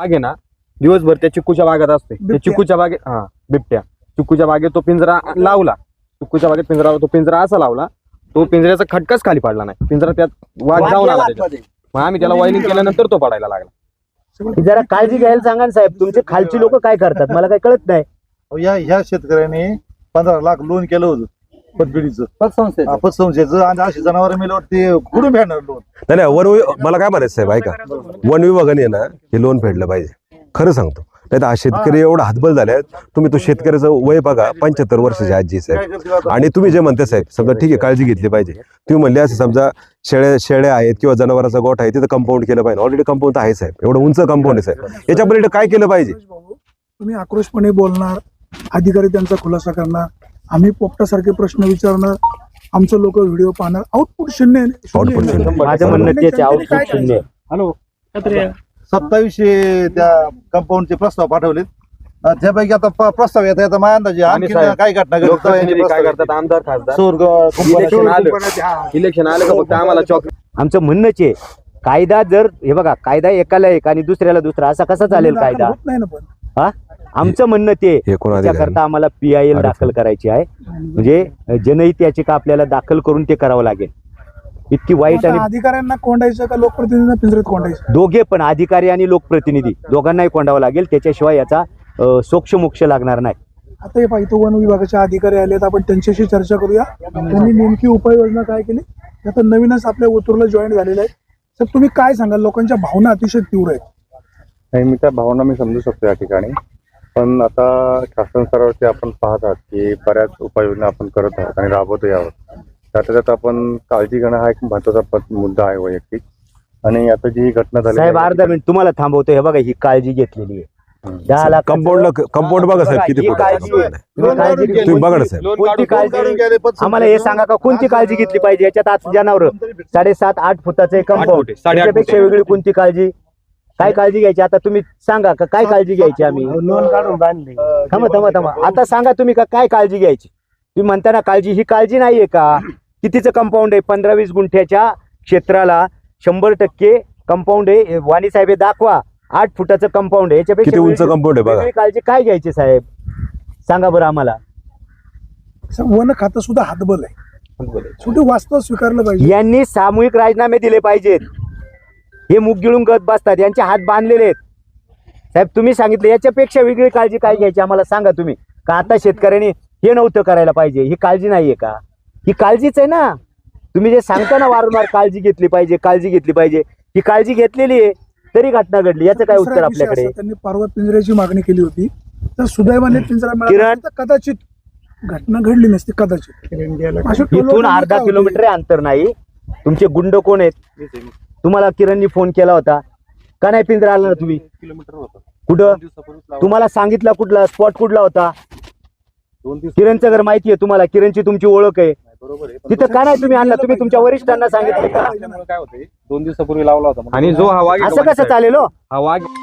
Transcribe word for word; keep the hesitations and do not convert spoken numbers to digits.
वाघ आहे ना दिवसभर त्या चिक्कूच्या बागेत असते. त्या चिक्कूच्या बागेत हा बिबट्या चिक्कूच्या बागेत तो पिंजरा लावला. चिक्कूच्या बागेत पिंजरा तो पिंजरा असा लावला तो पिंजऱ्याचा खटकाच खाली पडला नाही. पिंजरा त्यात वाघ जाऊन आला त्याच्यात. मग आम्ही त्याला वायलिंग केल्यानंतर तो पडायला लागला. जरा काळजी घ्यायला सांगा ना साहेब. तुमचे खालची लोक काय करतात मला काही कळत नाही. या ह्या शेतकऱ्याने पंधरा लाख लोन केलं होतं पतबिडीचं पतसंस्थेचं आणि अशी जनावर मेल्यावर ते कुठून फेडणार लोन. नाही नाही वन मला काय म्हणायचं साहेब ऐका, वन विभागाने ना हे लोन फेडलं पाहिजे. खरं सांगतो नाही तर हा शेतकरी एवढा हातबल झाले. तुम्ही तो शेतकऱ्याचं वय बघा पंच्याहत्तर वर्षाची आजी साहेब. आणि तुम्ही जे म्हणते साहेब समजा ठीक आहे काळजी घेतली पाहिजे. तुम्ही म्हणले असं समजा शेळ्या शेळ्या आहेत किंवा जनावरांचा गोठ आहे तिथं कंपाऊंड केलं पाहिजे. ऑलरेडी कंपाऊंड आहे साहेब, एवढं उंच कंपाऊंड आहे साहेब. याच्या पलीकडे काय केलं पाहिजे. तुम्ही आक्रोशपणे बोलणार, अधिकारी त्यांचा खुलासा करणार, आम्ही पोपटासारखे प्रश्न विचारणार, आमचं लोक व्हिडिओ पाहणार. आउटपुट शून्य आउटपुट शून्य. माझं म्हणणं तेच आहे, आउटपुट शून्य. हॅलो सत्तावीसशे त्या कंपाऊंडचे प्रस्ताव पाठवलेत. त्यापैकी आता प- प्रस्ताव येतात आता माझ्या अंदाजे आणखी साहेब, काय घटना घडली? लोकप्रतिनिधी काय करतात आमदार खासदार सोरग इलेक्शन आलं इलेक्शन आलं का फक्त आम्हाला चॉक. आमचं म्हणणंच आहे कायदा जर हे बघा कायदा एकाला एक आणि दुसऱ्याला दुसरा असा कसा चालेल कायदा. होत नाही ना पण हा आमचं म्हणणं ते हे कोण अधिकारी? त्याकरता आम्हाला पी आय एल दाखल करायची आहे. म्हणजे जनहित याचिका आपल्याला दाखल करून ते करावं लागेल. इतकी वाईट आणि आता अधिकाऱ्यांना कोंडायचं का लोकप्रतिनिधींना पिंजऱ्यात कोंडायचं? दोघे पण अधिकारी आणि लोकप्रतिनिधी दोघांनाही कोंडावं लागेल. त्याच्याशिवाय याचा अ, सोक्ष मोक्ष लागणार नाही. आता हे पाहिजे वन विभागाचे अधिकारी आलेत, आपण त्यांच्याशी चर्चा करूया. त्यांनी नेमकी उपाययोजना काय केली. आता नवीनच आपल्या ओतूरला जॉईन झालेलं आहे. तर तुम्ही काय सांगाल? लोकांच्या भावना अतिशय तीव्र आहेत. नाही मी त्या भावना मी समजू शकतो या ठिकाणी. पण आता शासन स्तरावरती आपण पाहत आहात की बऱ्याच उपाययोजना आपण करत आहोत आणि राबवतो आहोत. त्यात त्यात आपण काळजी घेणं हा एक महत्वाचा पद- मुद्दा आहे वैयक्तिक. आणि आता जी ही घटना झाली साहेब अर्धा मिनिट तुम्हाला थांबवतो. हे बघा ही काळजी घेतलेली आहे. दहा लाख कंपाऊंडला कंपाऊंड बघा साहेब किती ही फूट काळजी आहे. तुम्ही काळजी घेतली. तुम्ही बघा ना साहेब. कोणती काढून काळजी गेले, पतसंस्थेचं आम्हाला हे सांगा का कोणती काळजी घेतली पाहिजे. याच्यात आज जनावर साडेसात आठ फुटाचं एक कंपाऊंड फुटे, साडेआठ त्याच्यापेक्षा फुटे. वेगळी कोणती काळजी काय काळजी घ्यायची. आता तुम्ही सांगा का काय काळजी घ्यायची. आम्ही लोन काढून बांधले. थांबा थांबा थांबा आता सांगा तुम्ही का काय काळजी घ्यायची. तुम्ही म्हणता ना काळजी, ही काळजी नाहीये का. कितीचं कंपाऊंड आहे. पंधरा वीस गुंठ्याच्या क्षेत्राला शंभर टक्के कंपाऊंड आहे. वाणी साहेब हे दाखवा आठ फुटाचं कंपाऊंड आहे. याच्यापेक्षा किती उंच वेगळी- कंपाऊंड आहे बघा. वेगळी काळजी काय घ्यायची साहेब सांगा बरं आम्हाला. वन खातं सुद्धा हातबल आहे. शेवटी वास्तव स्वीकारलं पाहिजे. यांनी सामूहिक राजीनामे दिले पाहिजेत. हे मुग गिळून गत बसतात. यांचे हात बांधलेले आहेत. साहेब तुम्ही सांगितलं याच्यापेक्षा वेगळी काळजी काय घ्यायची आम्हाला सांगा तुम्ही. का आता शेतकऱ्यांनी हे नव्हतं करायला पाहिजे. ही काळजी नाहीये का. ही काळजीच आहे ना. तुम्ही जे सांगता ना वारंवार काळजी घेतली पाहिजे काळजी घेतली पाहिजे. ही काळजी घेतलेली आहे तरी घटना घडली. याचं काय उत्तर दुसरा विषय आपल्याकडे. असा, त्यांनी परवा पिंजऱ्याची मागणी केली होती. तर सुदैवाने पिंजरा मिळाला किरण. तर कदाचित घटना घडली नसती. कदाचित अशा इथून टोलवटोलवी अर्धा काय होती? किलोमीटर अंतर नाही. तुमचे गुंड कोण आहेत. तुम्हाला किरणनी फोन केला होता का नाही. पिंजरा आला ना तुम्ही कुठं. तुम्हाला सांगितलं कुठला स्पॉट कुठला होता. किरणचं घर माहिती आहे तुम्हाला. किरणची तुमची ओळख आहे. तिथं का नाही तुम्ही आणला. तुम्ही तुमच्या वरिष्ठांना सांगितलं का. काय होते दोन दिवसापूर्वी लावला होता. आणि जो हा वाघ असं कसं चालेल हो? हा वाघ